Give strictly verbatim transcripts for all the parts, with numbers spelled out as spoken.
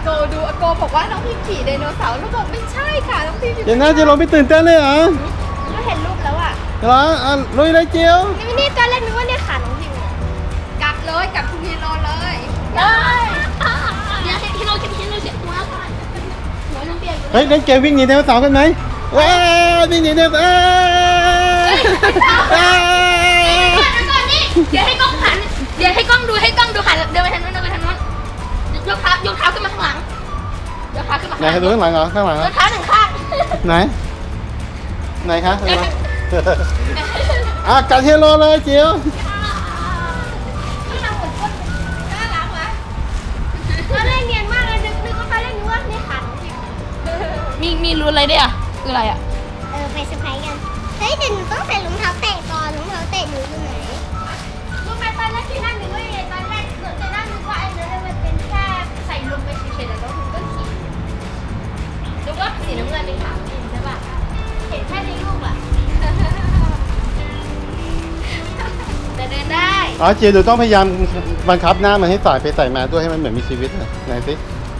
โกดูอาโกบอกว่าน้องพิมขี่ไดโนเสาร์แล้วบอกไม่ใช่ค่ะน้องพิมเดี๋ยวนะเจียวลงไปตื่นเต้นเลยเหรอก็เห็นรูปแล้วอ่ะเหรออ่ะลุยเลยเจียวนี่นี่ตอนแรกนึกว่าเนี่ยขาน้องพิมกัดเลยกัดทุกทีโลเลยเลยเดี๋ยวให้เราจะให้เราเสียหัวก่อนหัวน้ำเปียกเฮ้ยเล่นเกมวิ่งหนีไดโนเสาร์กันไหมว้าววิ่งหนีไดโนเสาร์อ้าวเดี๋ยวให้กล้องหันเดี๋ยวให้กล้องดูให้กล้องดูหันเดินไปทางนู้นเดินไปทางนู้นยกเท้ายกเท้าขึ้นมาข้างหลังยกเท้าขึ้นมาไหนข้างหลัให้ดูข้างหลังเหรอข้างหลังเหรยอกเท้าหนึ่งข้างไหนไหนคะดูมาอ่ะกัดเฮโร่เลยเจียวที่เราหมุนก้นน่ารักวะตอนแรกเนียนมากเลยนึกนึกว่าตอนแรกนึกว่าเนี่ยขาน้องพิมมีมีรู้อะไรด้วยอ่ะคืออะไรอ่ะเออไปเซอร์ไพรส์กัน เฮ้ยแต่หนูต้องใส่รองเท้าแตะก่อนรองเท้าแตะหนูอยู่ไหนรู้ไหมตอนแรกที่นั่งนึกว่าไงตอนแรกเหมือนจะนั่งนึกว่าไอ้นั่นมันเป็นแค่ใส่ลงไปเฉยๆแล้วน้องพิมก็ขี่นึกว่าสีน้ำเงินเป็นขาน้องพิมใช่ป่ะเห็นแค่ในรูปอ่ะแต่เดินได้อ๋อเจียวดูต้องพยายามบังคับหน้ามันให้สายไปใส่มาด้วยให้มันเหมือนมีชีวิตหน่อยไหนสิ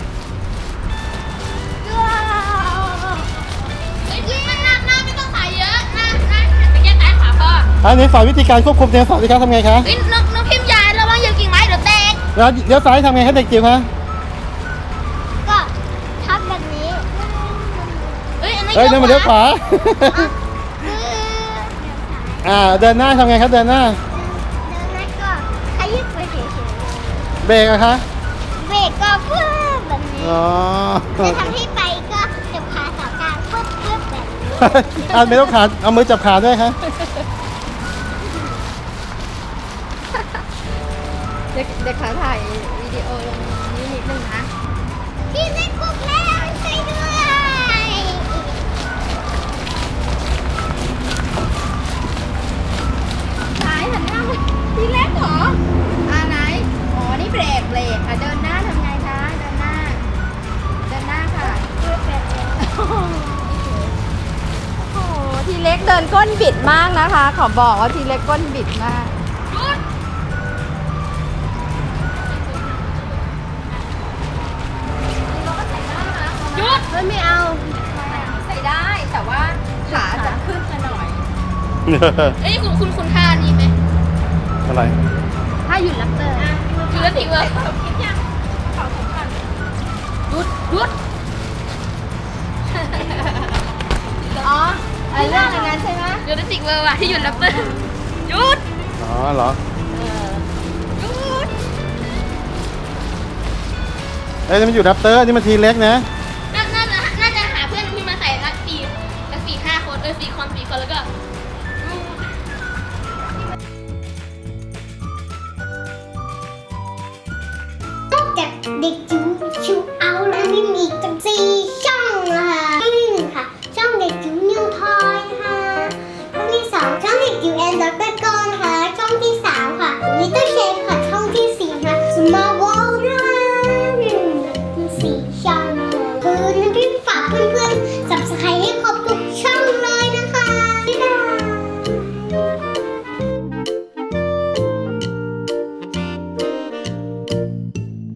เฮ้ยมันหน้าหน้าไม่ต้องถ่ายเยอะหน้าหน้าหันไปแค่ซ้ายขวาพออันนี้สอนวิธีการควบคุมไดโนเสาร์สิครับทำไงคะเฮ้ยน้องน้องพิมพ์ยาระวังเหยียบกิ่งไม้เดี๋ยวแตกแล้วเดี๋ยวซ้ายทำไงให้เด็กจิ๋วคะก็ทับแบบนี้เฮ้ยอันนั้นเฮ้ยนั่นมันเลี้ยวขวาเอออ่าเดินหน้าทำไงครับเดินหน้าเดินแล้วก็ขยิบไปเฉยเบรกอะคะๆเบรกก็ปึ๊บแบบนี้อ๋อจะทำให้ไปก็จับขาสองข้างปึ๊บปึ๊บแบบนี้อ่าไม่ต้องขาเอามือจับขาด้วยคะเด็กเด็กขาถ่ายวิดีโอลงนี้นิดนึงนะพี่เล่นกุ๊กแล้วช่วยด้วยซ้ายหันหน้ามาทีเล็กเหรออ่าไหนอ๋อนี่เบรกเบรกอ่ะเดินหน้าทำไงคะเดินหน้า เดินหน้าค่ะปึ๊บแบบนี้โอ้โหทีเล็กเดินก้นบิดมากนะคะ ขอบอกว่าทีเล็กก้นบิดมากหยุดเฮ้ยไม่เอา ใส่ได้แต่ว่าขาจะขึ้นมาหน่อยเอ้ยคุณคุณคุณท่านี้ไหมอะไรถ้าหยุดลับเตอร์คือแล้วทิ้งเลยเขาคิดยังเขาสำคัญหยุดหยุดอ๋อไอ้เรื่องอะไรนั้นใช่ไหมหยุดแล้วทิ้งเลยว่ะที่หยุดแล้วเปิ้ลหยุดอ๋อเหรอหยุดเอ้ยนี่มันอยู่แรปเตอร์นี่มันทีเล็กนะห